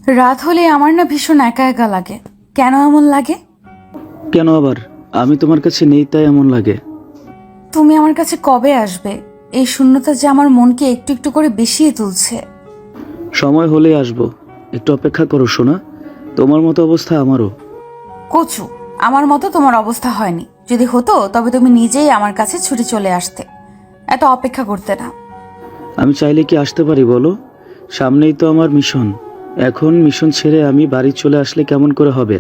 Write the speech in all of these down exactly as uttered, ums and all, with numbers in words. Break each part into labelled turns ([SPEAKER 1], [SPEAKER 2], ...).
[SPEAKER 1] রাত হলে আমার না ভীষণ একা একা লাগে। কেন এমন লাগে?
[SPEAKER 2] কেন আবার? আমি তোমার কাছে নেই তাই এমন লাগে।
[SPEAKER 1] তুমি আমার কাছে কবে আসবে? এই শূন্যতা যে আমার মনকে একটু একটু করে বেশিয়ে তুলছে।
[SPEAKER 2] সময় হলেই আসবো, একটু অপেক্ষা করো সোনা। তোমার মতো অবস্থা আমারও।
[SPEAKER 1] কচু, আমার মতো তোমার অবস্থা হয়নি। যদি হতো তবে তুমি নিজেই আমার কাছে ছুটে চলে আসতে, এত অপেক্ষা করতে না।
[SPEAKER 2] আমি চাইলে কি আসতে পারি বলো? সামনেই তো আমার মিশন। এখন মিশন ছেড়ে আমি বাড়ি চলে আসলে কেমন করে হবে?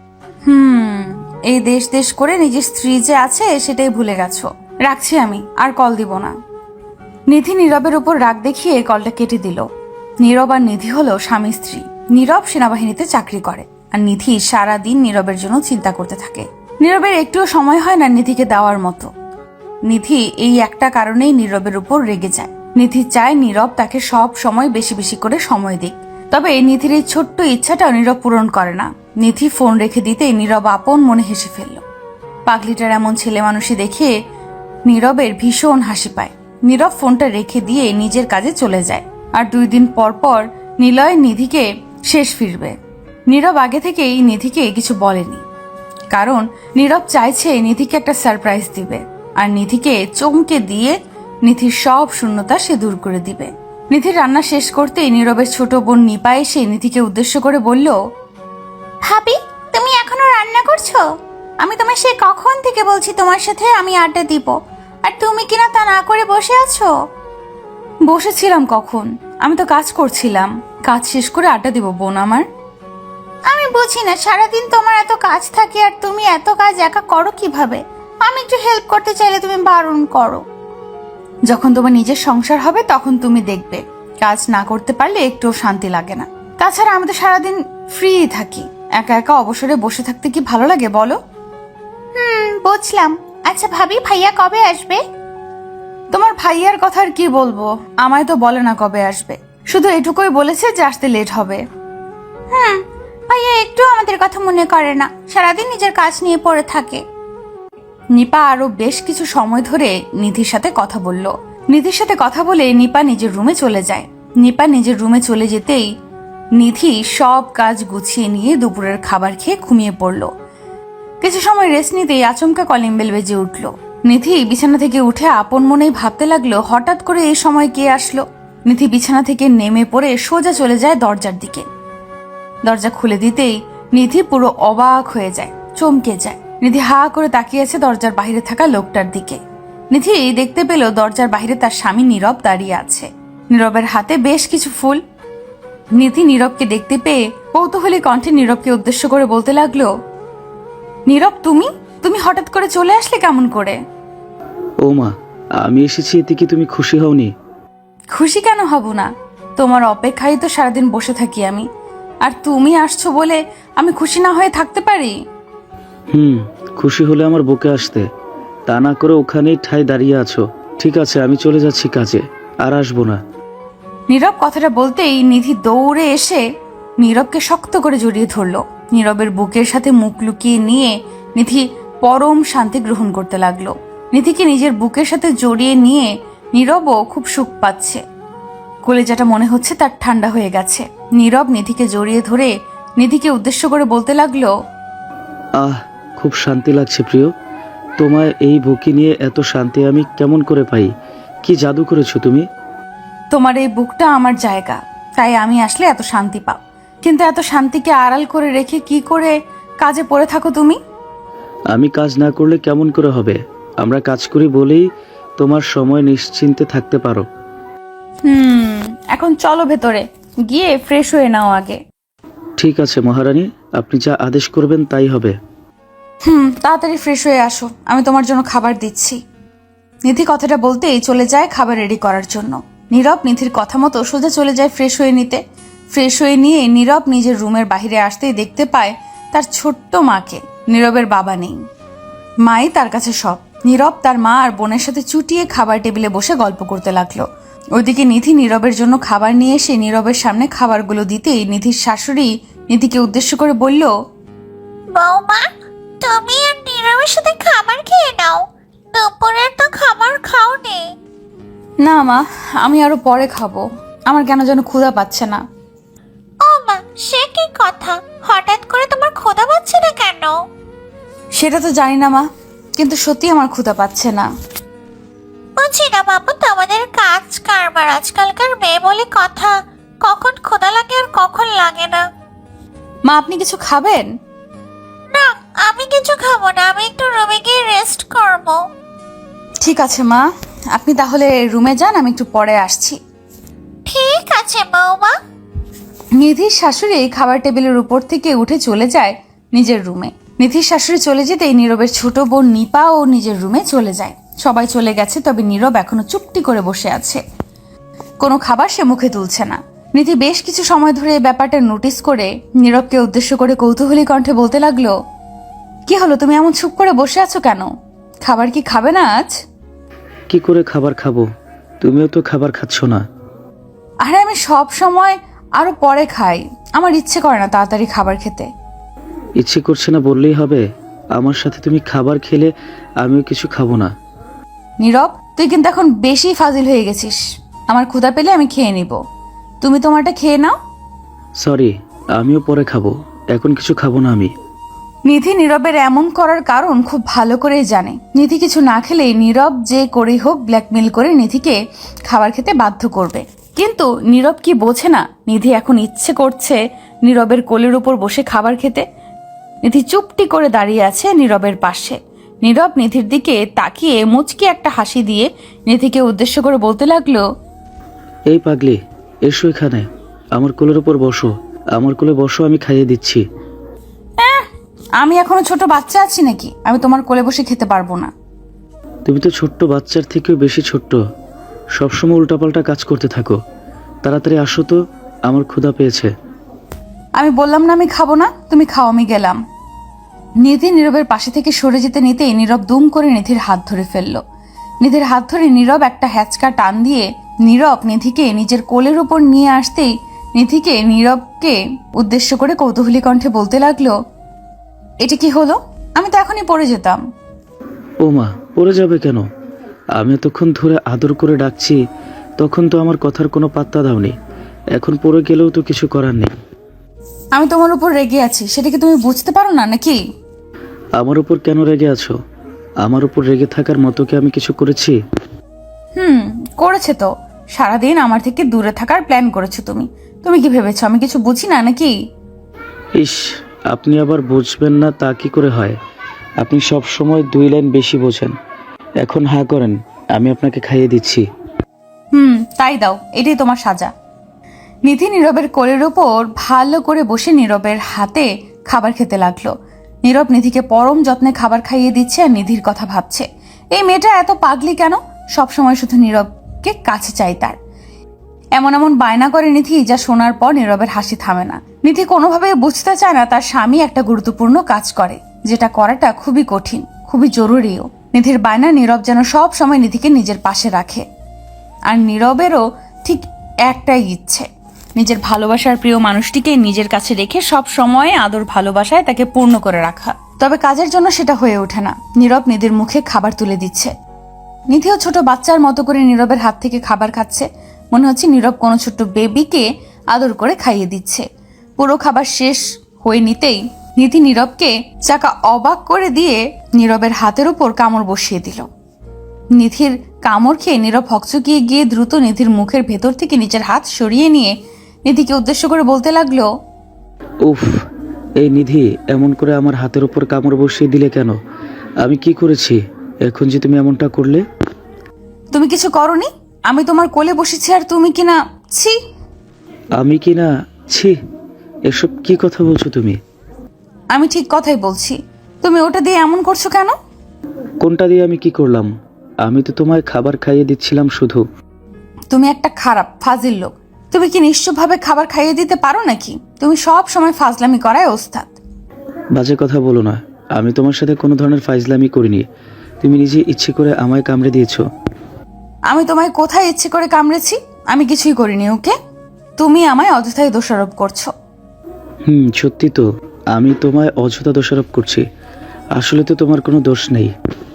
[SPEAKER 1] হুম এই দেশ দেশ করে নিজের স্ত্রী যে আছে সেটাই ভুলে গেছো। রাখছি, আমি আর কল দিব না। নিধি নীরবের উপর রাগ দেখিয়ে কলটা কেটে দিল। নীরব আর নিধি হলো স্বামী স্ত্রী। নীরব সেনাবাহিনীতে চাকরি করে আর নিধি সারা দিন নীরবের জন্য চিন্তা করতে থাকে। নীরবের একটুও সময় হয় না নিধিকে দেওয়ার মতো। নিধি এই একটা কারণেই নীরবের উপর রেগে যায়। নিধি চায় নীরব তাকে সব সময় বেশি বেশি করে সময় দিক। তবে নিধির এই ছোট্ট ইচ্ছাটাও নীরব পূরণ করে না। নিধি ফোন রেখে দিতেই নীরব আপন মনে হেসে ফেলল। পাগলিটার এমন ছেলে মানুষই দেখে নীরবের ভীষণ হাসি পায়। নীরব ফোনটা রেখে দিয়ে নিজের কাজে চলে যায়। আর দুই দিন পর পর নিলয় নিধিকে শেষ ফিরবে। নীরব আগে থেকেই নিধিকে কিছু বলেনি, কারণ নীরব চাইছে নিধিকে একটা সারপ্রাইজ দিবে আর নিধিকে চমকে দিয়ে নিধির সব শূন্যতা সে দূর করে দিবে। নিধির রান্না শেষ করতেই নীরবের ছোট বোন নিপা এসে নিধিকে উদ্দেশ্য করে বলল, ভাবি তুমি এখনো রান্না করছো? আমি তোমায় সে কখন থেকে বলছি তোমার সাথে আমি আড্ডা দিব, আর তুমি কিনা তা না করে বসে আছো। বসেছিলাম কখন? আমি তো কাজ করছিলাম। কাজ শেষ করে আড্ডা দিব বোন আমার। আমি বুঝি না, সারাদিন তোমার এত কাজ থাকে আর তুমি এত কাজ একা করো কিভাবে? আমি একটু হেল্প করতে চাইলে তুমি বারণ করো। যখন তোমার নিজের সংসার হবে তখন তুমি দেখবে কাজ না করতে পারলে একটুও শান্তি লাগে না। তাছাড়া আমি তো সারাদিন ফ্রি থাকি, একা একা অবসরে বসে থাকতে কি ভালো লাগে বলো? হুম বুঝলাম। আচ্ছা ভাবি, ভাইয়া কবে আসবে? তোমার ভাইয়ার কথা আর কি বলবো, আমায় তো বলে না কবে আসবে, শুধু এটুকুই বলেছে যে আসতে লেট হবে। হুম, ভাইয়া একটু আমাদের কথা মনে করে না, সারাদিন নিজের কাজ নিয়ে পড়ে থাকে। নিপা আরো বেশ কিছু সময় ধরে নিধির সাথে কথা বলল। নিধির সাথে কথা বলে নিপা নিজের রুমে চলে যায়। নিপা নিজের রুমে চলে যেতেই নিধি সব কাজ গুছিয়ে নিয়ে দুপুরের খাবার খেয়ে ঘুমিয়ে পড়ল। কিছু সময় রেস্ট নিতেই আচমকা কলিং বেল বেজে উঠল। নিধি বিছানা থেকে উঠে আপন মনেই ভাবতে লাগলো, হঠাৎ করে এই সময় কে আসলো। নিধি বিছানা থেকে নেমে পড়ে সোজা চলে যায় দরজার দিকে। দরজা খুলে দিতেই নিধি পুরো অবাক হয়ে যায়, চমকে যায়। নিধি হা করে তাকিয়ে আছে দরজার বাইরে থাকা লোকটার দিকে। নিধি দেখতে পেল দরজার বাইরে তার স্বামী নীরব দাঁড়িয়ে আছে। নীরবের হাতে বেশ কিছু ফুল। নিধি নীরবকে দেখতে পেয়ে কৌতূহলী কণ্ঠে নীরবকে উদ্দেশ্য করে বলতে লাগলো, নীরব তুমি তুমি হঠাৎ করে চলে আসলে কেমন করে?
[SPEAKER 2] ও মা, আমি এসেছি এতে কি তুমি খুশি হওনি?
[SPEAKER 1] খুশি কেন হব না? তোমার অপেক্ষায় তো সারাদিন বসে থাকি আমি, আর তুমি আসছো বলে আমি খুশি না হয়ে থাকতে পারি?
[SPEAKER 2] হুম, খুশি হলে আমার বুকে আসতে, তা না করে ওখানেই ঠাই দাঁড়িয়ে আছো। ঠিক আছে, আমি চলে যাচ্ছি কাজে, আর আসবো না।
[SPEAKER 1] নীরব কথাটা বলতেই নিধি দৌড়ে এসে নীরবকে শক্ত করে জড়িয়ে ধরল। নীরবের বুকের সাথে মুখ লুকিয়ে নিয়ে নিধি পরম শান্তি গ্রহণ করতে লাগলো। নিধিকে নিজের বুকের সাথে জড়িয়ে নিয়ে নীরবও খুব সুখ পাচ্ছে। কলেজাটা মনে হচ্ছে তার ঠান্ডা হয়ে গেছে। নীরব নিধিকে জড়িয়ে ধরে নিধিকে উদ্দেশ্য করে বলতে লাগলো,
[SPEAKER 2] আহ, খুব শান্তি লাগছে প্রিয়। তোমার এই বুকে নিয়ে এত শান্তি আমি কেমন করে পাই? কি জাদু করেছো তুমি?
[SPEAKER 1] তোমার এই বুকটা আমার জায়গা, তাই আমি আসলে এত শান্তি পাও। কিন্তু এত শান্তিকে আড়াল করে রেখে কি করে কাজে পড়ে থাকো তুমি?
[SPEAKER 2] আমি কাজ না করলে কেমন করে হবে? আমরা কাজ করি বলেই তোমার সময় নিশ্চিন্তে থাকতে পারো।
[SPEAKER 1] হুম এখন চলো ভেতরে গিয়ে ফ্রেশ হয়ে নাও আগে।
[SPEAKER 2] ঠিক আছে মহারানী, আপনি যা আদেশ করবেন তাই হবে।
[SPEAKER 1] হুম তাড়াতাড়ি ফ্রেশ হয়ে আসো, আমি তোমার জন্য খাবার দিচ্ছি। নিধি কথাটা বলতেই চলে যায় খাবার রেডি করার জন্য। নীরব নিধির কথা মতো সোজা চলে যায় ফ্রেশ হয়ে নিতে। ফ্রেশ হয়ে নিয়ে নীরব নিজের রুমের বাইরে আসতেই দেখতে পায় তার ছোট্ট মাকে। নীরবের বাবা নেই, মাই তার কাছে সব। নীরব তার মা আর বোনের সাথে চুটিয়ে খাবার টেবিলে বসে গল্প করতে লাগলো। ওইদিকে নিধি নীরবের জন্য খাবার নিয়ে এসে নীরবের সামনে খাবারগুলো দিতেই নিধির শাশুড়ি নিধিকে উদ্দেশ্য করে বলল,
[SPEAKER 3] বৌমা, তুমি আর নীরবের সাথে খাবার খেয়ে নাও, দুপুরের তো খাবার খাওনি।
[SPEAKER 1] না মা, আমি আরো পরে খাবো, আমার কেন যেন ক্ষুধা পাচ্ছে না।
[SPEAKER 3] ও মা, সে কি কথা, হঠাৎ করে তোমার ক্ষুধা পাচ্ছে না কেন?
[SPEAKER 1] সেটা তো জানি না মা, কিন্তু সত্যি আমার ক্ষুধা পাচ্ছে না।
[SPEAKER 3] বুঝি না বাবু, তোমাদের কাজ কারবার, আজকালকার মেয়ে বলে কথা, কখন ক্ষুধা লাগে আর কখন লাগে না।
[SPEAKER 1] মা আপনি কিছু খাবেন?
[SPEAKER 3] না, আমি কিছু খাবো না, আমি একটু রুমে গিয়ে রেস্ট করব।
[SPEAKER 1] ঠিক আছে মা, আপনি তাহলে রুমে যান, আমি একটু পরে আসছি।
[SPEAKER 3] ঠিক আছে বৌমা।
[SPEAKER 1] নিধির শাশুড়ি খাবার টেবিলের উপর থেকে উঠে চলে যায় নিজের রুমে। নিধির শাশুড়ি চলে যেতেই নীরবের ছোট বোন নিপা ও নিজের রুমে চলে যায়। সবাই চলে গেছে, তবে নীরব এখনো চুপটি করে বসে আছে। কোনো খাবার সে মুখে তুলছে না। নিধি বেশ কিছু সময় ধরে এই ব্যাপারটা নোটিস করে নীরবকে উদ্দেশ্য করে কৌতূহলী কণ্ঠে বলতে লাগলো, কি হলো, তুমি এমন চুপ করে বসে আছো কেন? খাবার কি খাবে না আজ?
[SPEAKER 2] কি করে খাবার খাবো? তুমিও তো খাবার খাচ্ছ না।
[SPEAKER 1] আরে আমি সব সময় আরো পরে খাই, আমার ইচ্ছে করে না তাড়াতাড়ি খাবার খেতে।
[SPEAKER 2] ইচ্ছে করছে না বললেই হবে? আমার সাথে তুমি খাবার খেলে আমিও কিছু খাবো না।
[SPEAKER 1] নীরব, তুই কিন্তু এখন বেশি ফাজিল হয়ে গেছিস। আমার ক্ষুধা পেলে আমি খেয়ে নিব, তুমি তোমারটা খেয়ে নাও।
[SPEAKER 2] সরি, আমিও পরে খাবো, এখন কিছু খাবো না আমি।
[SPEAKER 1] নিধি নীরবের এমন করার কারণ খুব ভালো করেই জানে। নিধি কিছু না খেলেই নীরব যে করেই হোক ব্ল্যাকমেল করে নিধিকে খাবার খেতে বাধ্য করবে। কিন্তু নীরব কি বোঝে না নিধি এখন ইচ্ছে করছে নীরবের কোলের উপর বসে খাবার খেতে। নিধি চুপটি করে দাঁড়িয়ে আছে নীরবের পাশে। নীরব নিধির দিকে তাকিয়ে মুচকি একটা হাসি দিয়ে নিধিকে উদ্দেশ্য করে বলতে লাগলো,
[SPEAKER 2] এই পাগলি, এসো এখানে, আমার কোলের উপর বসো। আমার কোলে বসো, আমি খাইয়ে দিচ্ছি।
[SPEAKER 1] আমি এখনো ছোট বাচ্চা আছি নাকি আমি তোমার কোলে বসে খেতে পারবো না?
[SPEAKER 2] তুমি তো ছোট্ট বাচ্চার থেকেও বেশি ছোট্ট, সবসময় উল্টাপাল্টা কাজ করতে থাকো। তাড়াতাড়ি আসো তো, আমার ক্ষুধা পেয়েছে।
[SPEAKER 1] আমি বললাম না আমি খাবো না, তুমি খাও, আমি গেলাম। নিধি নীরবের পাশে থেকে সরে যেতে নিতেই নীরব দুম করে নিধির হাত ধরে ফেললো। নিধির হাত ধরে নীরব একটা হ্যাচকা টান দিয়ে নীরব নিধিকে নিজের কোলের উপর নিয়ে আসতেই নিধিকে নীরবকে উদ্দেশ্য করে কৌতূহলী কণ্ঠে বলতে লাগলো, এটা কি হলো? আমি তো এখনই পড়ে যেতাম।
[SPEAKER 2] ও মা, পড়ে যাবে কেন? আমি এতক্ষণ ধরে আদর করে ডাকছি, তখন তো আমার কথার কোনো পাত্তা দাওনি। এখন পড়ে গেলেও তো কিছু করার নেই।
[SPEAKER 1] আমি তোমার উপর রেগে আছি, সেটা কি তুমি বুঝতে পারো না নাকি?
[SPEAKER 2] আমার উপর কেন রেগে আছো? আমার উপর রেগে থাকার মতো কি আমি কিছু করেছি?
[SPEAKER 1] হুম, করেছে তো। সারাদিন আমার থেকে দূরে থাকার প্ল্যান করেছো তুমি। তুমি কি ভেবেছো আমি কিছু বুঝি না নাকি?
[SPEAKER 2] ইস, আপনি আবার বুঝবেন না তা কি করে হয়? আপনি সব সময় দুই লাইন বেশি বোঝেন। এখন হা করেন, আমি আপনাকে খাইয়ে দিচ্ছি।
[SPEAKER 1] হুম, তাই দাও, এটাই তোমার সাজা। নিধি নীরবের কোলের ওপর ভালো করে বসে নীরবের হাতে খাবার খেতে লাগলো। নীরব নিধিকে পরম যত্নে খাবার খাইয়ে দিচ্ছে আর নিধির কথা ভাবছে, এই মেয়েটা এত পাগলি কেন, সব সময় শুধু নীরবকে কাছে চাই তার। এমন এমন বায়না করে নিধি যা শোনার পর নীরবের হাসি থামে না। নিধি কোনোভাবে বুঝতে চায় না তার স্বামী একটা গুরুত্বপূর্ণ কাজ করে, যেটা করাটা খুবই কঠিন, খুবই জরুরিও। নিধির বায়না নীরব যেন সব সময় নিধিকে নিজের পাশে রাখে। আর নীরবেরও ঠিক একটাই ইচ্ছে, নিজের ভালোবাসার প্রিয় মানুষটিকে নিজের কাছে রেখে সব সময় আদর ভালোবাসায় তাকে পূর্ণ করে রাখা। তবে কাজের জন্য সেটা হয়ে ওঠে না। নীরব নিধির মুখে খাবার তুলে দিচ্ছে। নিধিও ছোট বাচ্চার মতো করে নীরবের হাত থেকে খাবার খাচ্ছে। মনে হচ্ছে নীরব কোনো ছোট্ট বেবিকে আদর করে খাইয়ে দিচ্ছে। পুরো খাবার শেষ হয়ে নিতেই নিধি নীরবকে চাকা অবাক করে দিয়ে নীরবের হাতের উপর কামড় বসিয়ে দিল। নিধির কামড় খেয়ে নীরব হকচকিয়ে গিয়ে দ্রুত নিধির মুখের ভেতর থেকে নিজের হাত সরিয়ে নিয়ে নিধিকে উদ্দেশ্য করে বলতে লাগলো,
[SPEAKER 2] উফ, এই নিধি, এমন করে আমার হাতের উপর কামড় বসিয়ে দিলে কেন? আমি কি করেছি এখন যে তুমি এমনটা করলে?
[SPEAKER 1] তুমি কিছু করনি, আমি তোমার কোলে বসেছি আর তুমি কিনা ছি।
[SPEAKER 2] আমি কি না ছি? এসব কি কথা বলছো তুমি?
[SPEAKER 1] আমি ঠিক কথাই বলছি, তুমি ওটা দিয়ে এমন করছো কেন?
[SPEAKER 2] কোনটা দিয়ে আমি কি করলাম? আমি তো তোমায় খাবার খাইয়ে দিচ্ছিলাম শুধু।
[SPEAKER 1] তুমি একটা খারাপ ফাজিল লোক। তুমি কি নিশ্চয়ভাবে খাবার খাইয়ে দিতে পারো নাকি? তুমি সব সময় ফাজলামি করায় ওস্তাদ।
[SPEAKER 2] বাজে কথা বলো না, আমি তোমার সাথে কোনো ধরনের ফাইজলামি করিনি। তুমি নিজে ইচ্ছে করে আমায় কামড়ে দিয়েছো।
[SPEAKER 1] আমি তোমায় কোথায় ইচ্ছে করে কামড়েছি? আমি কিছুই করিনি। ওকে, তুমি আমায় অযথাই দোষারোপ করছো।
[SPEAKER 2] হুম, সত্যি তো, আমি তোমায় অযথা দোষারোপ করছি। আসলে তো তোমার কোনো দোষ নেই।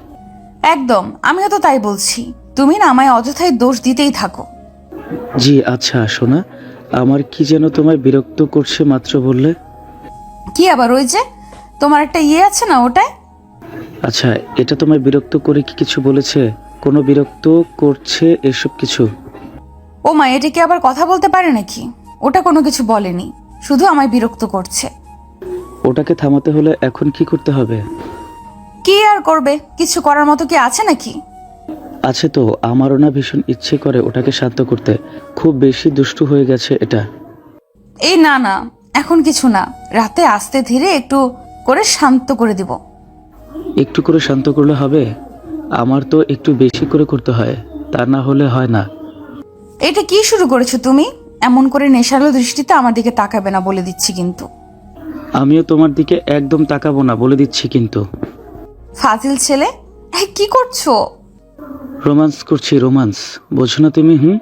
[SPEAKER 1] একদম, আমিও তো তাই বলছি। তুমি না আমায় অযথাই দোষ দিতেই থাকো।
[SPEAKER 2] জি আচ্ছা, শোনা, আমার কি যেন তোমায় বিরক্ত করছে মাত্র বললে।
[SPEAKER 1] কি আবার ওই যে তোমার একটা ইয়ে আছে না ওটায়?
[SPEAKER 2] আচ্ছা, এটা তোমায় বিরক্ত করে কি কিছু বলেছে? কোনো বিরক্ত করছে এসব কিছু?
[SPEAKER 1] ও মা, এটা কি আবার কথা বলতে পারে নাকি? ওটা কোনো কিছু বলেনি, শুধু আমায় বিরক্ত করছে।
[SPEAKER 2] ওটাকে থামাতে হলে এখন কি করতে হবে?
[SPEAKER 1] কি আর করবে, কিছু করার মতো কি আছে নাকি?
[SPEAKER 2] আছে তো, আমারও না ভীষণ ইচ্ছে করে ওটাকে শান্ত করতে। খুব বেশি দুষ্টু হয়ে গেছে এটা।
[SPEAKER 1] এই না না, এখন কিছু না, রাতে আস্তে ধীরে একটু করে শান্ত করে দিব।
[SPEAKER 2] একটু করে শান্ত করলে হবে? আমার তো একটু বেশি করে করতে হয়, তা না হলে হয় না।
[SPEAKER 1] এটা কি শুরু করেছো তুমি? এমন করে নেশালো দৃষ্টিতে আমার দিকে তাকাবে না বলে দিচ্ছি কিন্তু।
[SPEAKER 2] আমিও তোমার দিকে একদম তাকাবো না বলে দিচ্ছি কিন্তু।
[SPEAKER 1] ফাজিল ছেলে, এই কি করছো?
[SPEAKER 2] রোমান্স করছি, রোমান্স, বোঝো না তুমি? হুম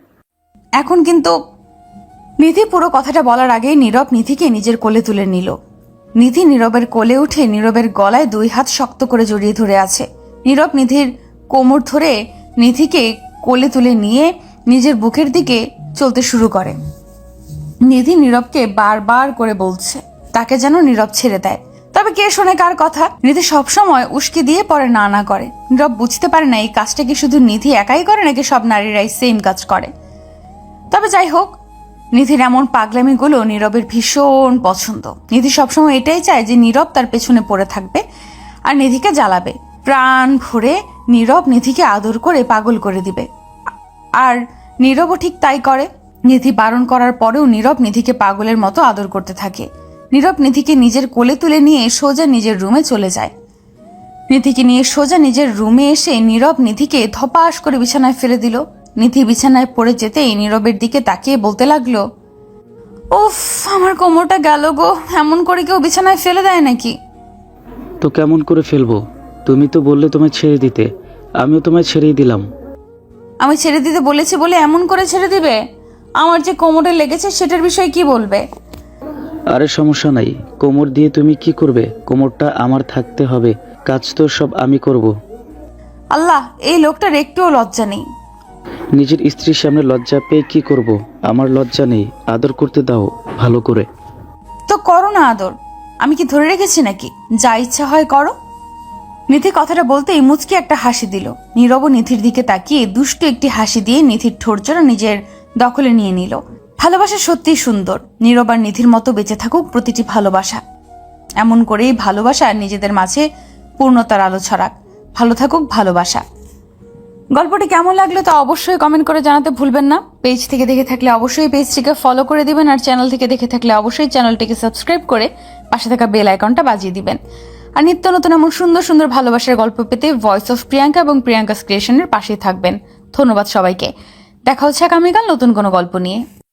[SPEAKER 1] এখন কিন্তু। নিধি পুরো কথাটা বলার আগেই নীরব নিধিকে নিজের কোলে তুলে নিল। নিধি নীরবের কোলে উঠে নীরবের গলায় দুই হাত শক্ত করে জড়িয়ে ধরে আছে। নীরব নিধির কোমর ধরে নিধিকে কোলে তুলে নিয়ে নিজের বুকের দিকে চলতে শুরু করে। নিধি নীরবকে বারবার করে বলছে তাকে যেন নীরব ছেড়ে দেয়, তবে কে শোনে কার কথা? নিধি সবসময় উস্কি দিয়ে পরে না না করে। নীরব বুঝতে পারে না এই কাজটা কি শুধু নিধি একাই করে নাকি সব নারীরাই সেম কাজ করে। তবে যাই হোক, নিধির এমন পাগলামিগুলো নীরবের ভীষণ পছন্দ। নিধি সবসময় এটাই চায় যে নীরব তার পেছনে পড়ে থাকবে আর নিধিকে জ্বালাবে। প্রাণ ভরে নীরব নিধিকে আদর করে পাগল করে দিবে, আর নীরবও ঠিক তাই করে। নিধি বারণ করার পরেও নীরব নিধিকে পাগলের মতো আদর করতে থাকে। নীরব নিধিকে নিজের কোলে তুলে নিয়ে সোজা নিজের রুমে চলে যায়। নিধিকে নিয়ে সোজা নিজের রুমে এসে নীরব নিধিকে ধপাস করে বিছানায় ফেলে দিল। নিধি বিছানায় পড়ে যেতেই নীরবের দিকে তাকিয়ে বলতে লাগলো, উফ, আমার কোমরটা গেল গো, এমন করে কেউ বিছানায় ফেলে দেয় নাকি?
[SPEAKER 2] তো কেমন করে ফেলবো? তুমি তো বললে তোমায় ছেড়ে দিতে, আমিও তোমায় ছেড়েই দিলাম।
[SPEAKER 1] আমি ছেড়ে দিতে বলেছি বলে এমন করে ছেড়ে দিবে? আমার যে কোমরে লেগেছে সেটার বিষয়ে কি বলবে?
[SPEAKER 2] আরে সমস্যা নাই, কোমর দিয়ে তুমি কি করবে? কোমরটা আমার থাকতে হবে, কাজ তো সব আমি করব।
[SPEAKER 1] আল্লাহ, এই লোকটার একটুও লজ্জা নেই।
[SPEAKER 2] নিজের স্ত্রীর সামনে লজ্জা পেয়ে কি করব? আমার লজ্জা নেই, আদর করতে দাও ভালো করে।
[SPEAKER 1] তো করো না আদর, আমি কি ধরে রেখেছি নাকি? যা ইচ্ছা হয় করো। নিধি কথাটা বলতেই মুচকি একটা হাসি দিল। নীরব নিধির দিকে তাকিয়ে দুষ্টু একটি হাসি দিয়ে নিধির ঠোঁটজোড়া নিজের দখলে নিয়ে নিল। ভালোবাসা সত্যিই সুন্দর। নীরব আর নিধির মতো বেঁচে থাকুক প্রতিটি ভালোবাসা। এমন করেই ভালোবাসা নিজেদের মাঝে পূর্ণতার আলো ছড়াক। ভালো থাকুক ভালোবাসা। গল্পটি কেমন লাগলো তা অবশ্যই কমেন্ট করে জানাতে ভুলবেন না। পেজ থেকে দেখে থাকলে অবশ্যই পেজটিকে ফলো করে দিবেন, আর চ্যানেল থেকে দেখে থাকলে অবশ্যই চ্যানেলটিকে সাবস্ক্রাইব করে পাশে থাকা বেল আইকনটা বাজিয়ে দিবেন। আর নিত্য নতুন এমন সুন্দর সুন্দর ভালোবাসার গল্প পেতে ভয়েস অফ প্রিয়াঙ্কা এবং প্রিয়াঙ্কা ক্রিয়েশনের পাশেই থাকবেন। ধন্যবাদ সবাইকে। দেখা হচ্ছে আগামীকাল নতুন কোনো গল্প নিয়ে।